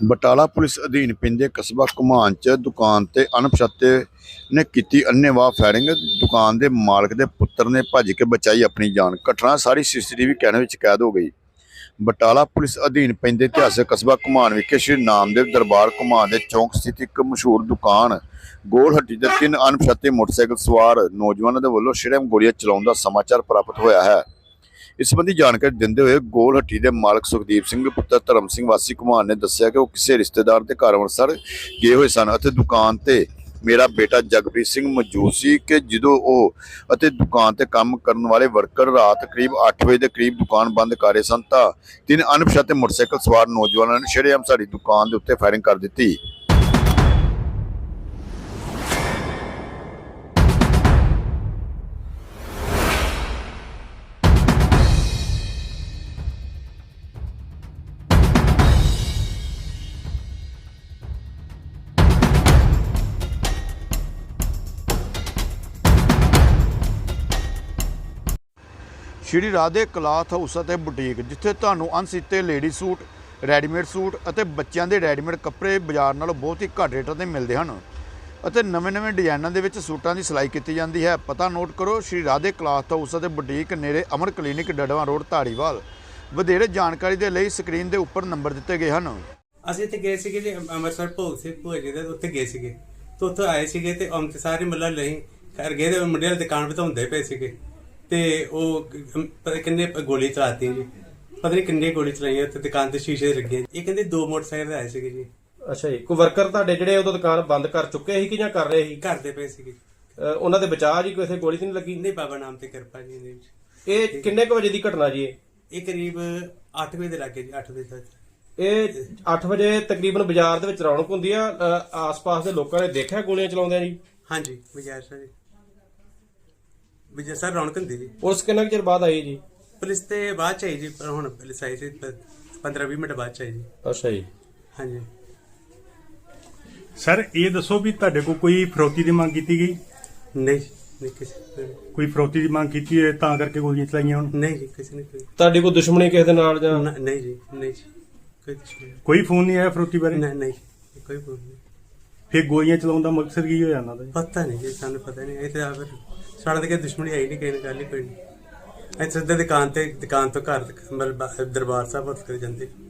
Batala police ਅਧੀਨ ਪੈਂਦੇ ਕਸਬਾ ਘੁਮਾਣ 'ਚ ਦੁਕਾਨ ਤੇ ਅਣਪਛਾਤੇ ਨੇ ਕੀਤੀ ਅੰਨ੍ਹੇਵਾਹ ਫਾਇਰਿੰਗ। ਦੁਕਾਨ ਦੇ ਮਾਲਕ ਦੇ ਪੁੱਤਰ ਨੇ ਭੱਜ ਕੇ ਬਚਾਈ ਆਪਣੀ ਜਾਨ। ਘਟਨਾ ਸਾਰੀ ਸੀਸੀਟੀਵੀ ਕੈਮਰੇ ਵਿੱਚ ਕੈਦ ਹੋ ਗਈ। ਬਟਾਲਾ ਪੁਲਿਸ ਅਧੀਨ ਪੈਂਦੇ ਇਤਿਹਾਸਕ ਕਸਬਾ ਘੁਮਾਣ ਵਿਖੇ ਸ਼੍ਰੀ ਨਾਮਦੇਵ ਦਰਬਾਰ ਘੁਮਾਣ ਦੇ ਚੌਂਕ ਸਥਿਤ ਇੱਕ ਮਸ਼ਹੂਰ ਦੁਕਾਨ ਗੋਲ ਹੱਟੀ ਦੇ 3 ਅਣਪਛਾਤੇ ਮੋਟਰਸਾਈਕਲ ਸਵਾਰ ਨੌਜਵਾਨਾਂ ਦੇ ਵੱਲੋਂ ਸ਼ਰੇਆਮ ਗੋਲੀਆਂ ਚਲਾਉਣ ਦਾ ਸਮਾਚਾਰ ਪ੍ਰਾਪਤ ਹੋਇਆ ਹੈ। ਇਸ ਸੰਬੰਧੀ ਜਾਣਕਾਰੀ ਦਿੰਦੇ ਹੋਏ ਗੋਲ ਹੱਟੀ ਦੇ ਮਾਲਕ ਸੁਖਦੀਪ ਸਿੰਘ ਪੁੱਤਰ ਧਰਮ ਸਿੰਘ ਵਾਸੀ ਘੁਮਾਣ ਨੇ ਦੱਸਿਆ ਕਿ ਉਹ ਕਿਸੇ ਰਿਸ਼ਤੇਦਾਰ ਦੇ ਘਰ ਅੰਮ੍ਰਿਤਸਰ ਗਏ ਹੋਏ ਸਨ ਅਤੇ ਦੁਕਾਨ ਤੇ ਮੇਰਾ ਬੇਟਾ ਜਗਪ੍ਰੀਤ ਸਿੰਘ ਮੌਜੂਦ ਸੀ ਕਿ ਜਦੋਂ ਉਹ ਅਤੇ ਦੁਕਾਨ ਤੇ ਕੰਮ ਕਰਨ ਵਾਲੇ ਵਰਕਰ ਰਾਤ ਕਰੀਬ 8 ਵਜੇ ਦੇ ਕਰੀਬ ਦੁਕਾਨ ਬੰਦ ਕਰ ਰਹੇ ਸਨ ਤਾਂ 3 ਅਣਪਛਾਤੇ ਮੋਟਰਸਾਈਕਲ ਸਵਾਰ ਨੌਜਵਾਨਾਂ ਨੇ ਸ਼ਰੇਆਮ ਸਾਡੀ ਦੁਕਾਨ ਦੇ ਉੱਤੇ ਫਾਇਰਿੰਗ ਕਰ ਦਿੱਤੀ। ਸ਼੍ਰੀ ਰਾਧੇ ਕਲਾਥ ਹਾਊਸ ਅਤੇ ਬੁਟੀਕ, ਜਿੱਥੇ ਤੁਹਾਨੂੰ ਅਣਸੀਤੇ ਲੇਡੀ ਸੂਟ, ਰੈਡੀਮੇਡ ਸੂਟ ਅਤੇ ਬੱਚਿਆਂ ਦੇ ਰੈਡੀਮੇਡ ਕੱਪੜੇ ਬਾਜ਼ਾਰ ਨਾਲੋਂ ਬਹੁਤ ਹੀ ਘੱਟ ਰੇਟਾਂ 'ਤੇ ਮਿਲਦੇ ਹਨ ਅਤੇ ਨਵੇਂ ਡਿਜ਼ਾਈਨਾਂ ਦੇ ਵਿੱਚ ਸੂਟਾਂ ਦੀ ਸਿਲਾਈ ਕੀਤੀ ਜਾਂਦੀ ਹੈ। ਪਤਾ ਨੋਟ ਕਰੋ, ਸ਼੍ਰੀ ਰਾਧੇ ਕਲਾਥ ਹਾਊਸ ਅਤੇ ਬੁਟੀਕ, ਨੇੜੇ ਅਮਰ ਕਲੀਨਿਕ, ਡੜਵਾ ਰੋਡ, ਧਾਰੀਵਾਲ। ਵਧੇਰੇ ਜਾਣਕਾਰੀ ਦੇ ਲਈ ਸਕਰੀਨ ਦੇ ਉੱਪਰ ਨੰਬਰ ਦਿੱਤੇ ਗਏ ਹਨ। ਅਸੀਂ ਇੱਥੇ ਗਏ ਸੀਗੇ ਜੀ ਅੰਮ੍ਰਿਤਸਰ ਭੋਗ ਸਿੰਘ ਭੂਆ ਜੀ ਦੇ ਉੱਥੇ ਗਏ ਸੀਗੇ ਤੇ ਉੱਥੋਂ ਆਏ ਸੀਗੇ ਤੇ ਅੰਮ੍ਰਿਤ ਸਾਰੇ ਮੱਲਾ ਲਈ ਘਰ ਗਏ ਤੇ ਮੁੰਡੇ ਵਾਲੀ ਦੁਕਾਨ ਵਧਾਉਂਦੇ ਪਏ ਸੀਗੇ ਤੇ ਉਹ ਪਤਾ ਕਿੰਨੇ ਗੋਲੀ ਚਲਾਤੀ ਜੀ, ਪਤਾ ਨਹੀਂ ਕਿੰਨੇ ਗੋਲੀ ਚਲਾਈਆਂ ਤੇ ਦੁਕਾਨ ਤੇ ਸ਼ੀਸ਼ੇ ਲੱਗੇ। ਇਹ ਕਹਿੰਦੇ 2 ਮੋਟਰਸਾਈਕਲ ਆਏ ਸੀਗੇ ਜੀ। ਅੱਛਾ ਜੀ, ਕੋਈ ਵਰਕਰ ਤੁਹਾਡੇ ਜਿਹੜੇ ਉਦੋਂ ਦੁਕਾਨ ਬੰਦ ਕਰ ਚੁੱਕੇ ਸੀ ਕਿ ਜਾਂ ਕਰ ਰਹੇ ਸੀ? ਕਰਦੇ ਪਏ ਸੀਗੇ। ਉਹਨਾਂ ਦੇ ਬਚਾਅ ਜੀ ਕਿਸੇ ਗੋਲੀ ਤੇ ਨਹੀਂ ਲੱਗੀ? ਨਹੀਂ, ਬਾਬਾ ਨਾਮ ਤੇ ਕਿਰਪਾ ਜੀ ਨੇ। ਇਹ ਕਿੰਨੇ ਕੁ ਵਜੇ ਦੀ ਘਟਨਾ ਜੀ? ਇਹ ਕਰੀਬ 8 ਵਜੇ ਦੇ ਲੱਗੇ ਜੀ, 8 ਵਜੇ ਤੱਕ। ਇਹ 8 ਵਜੇ ਤਕਰੀਬਨ ਬਾਜ਼ਾਰ ਦੇ ਵਿੱਚ ਰੌਣਕ ਹੁੰਦੀ ਆ, ਆਸ-ਪਾਸ ਦੇ ਲੋਕਾਂ ਨੇ ਦੇਖਿਆ ਗੋਲੀਆਂ ਚਲਾਉਂਦੇ ਜੀ? ਹਾਂਜੀ, ਬਾਜ਼ਾਰ ਸਰ ਵਿਜੇ ਸਰ ਰੌਣਕ ਹੁੰਦੀ ਜੀ। ਪੁਲਿਸ ਕਿੰਨਾ ਚਿਰ ਬਾਅਦ ਆਈ ਜੀ? ਪੁਲਿਸ ਤੇ ਬਾਅਦ ਚ ਆਈ ਜੀ, ਪਰ ਹੁਣ ਪੁਲਿਸ ਆਈ ਸੀ 15-20 ਮਿੰਟ ਬਾਅਦ ਚ ਆਈ ਜੀ। ਅੱਛਾ ਜੀ। ਹਾਂਜੀ ਸਰ, ਇਹ ਦੱਸੋ ਵੀ ਤੁਹਾਡੇ ਕੋਲ ਕੋਈ ਫਰੋਤੀ ਦੀ ਮੰਗ ਕੀਤੀ ਗਈ? ਨਹੀਂ ਕਿਸੇ ਕੋਈ ਫਰੋਤੀ ਦੀ ਮੰਗ ਕੀਤੀ ਹੈ ਤਾਂ ਕਰਕੇ ਗੋਲੀਆਂ ਚਲਾਈਆਂ ਹੁਣ? ਨਹੀਂ ਜੀ, ਕਿਸੇ ਨੇ ਤੁਹਾਡੀ ਕੋਈ ਦੁਸ਼ਮਣੀ ਕਿਸੇ ਦੇ ਨਾਲ ਜਾਂ? ਨਹੀਂ ਜੀ, ਨਹੀਂ ਜੀ, ਕੋਈ ਦੁਸ਼ਮਣੀ ਕੋਈ ਫੋਨ ਨਹੀਂ ਆਇਆ ਫਰੋਤੀ ਬਾਰੇ? ਨਹੀਂ, ਕੋਈ ਫੋਨ ਨਹੀਂ। ਫਿਰ ਗੋਲੀਆਂ ਚਲਾਉਣ ਦਾ ਮਕਸਦ ਕੀ ਹੋਇਆ ਇਹਨਾਂ ਦਾ? ਪਤਾ ਨਹੀਂ ਜੀ, ਸਾਨੂੰ ਪਤਾ ਨਹੀਂ। ਇਹ ਤਾਂ ਫਿਰ ਸਾਡੇ ਤੇ ਦੁਸ਼ਮਣੀ ਆਈ ਨਹੀਂ, ਕਿਸੇ ਨੇ ਗੱਲ ਹੀ ਕੋਈ ਨਹੀਂ। ਅਸੀਂ ਸਿੱਧੇ ਦੁਕਾਨ ਤੋਂ ਘਰ ਮਤਲਬ ਦਰਬਾਰ ਸਾਹਿਬ ਉੱਠ ਕੇ ਜਾਂਦੇ।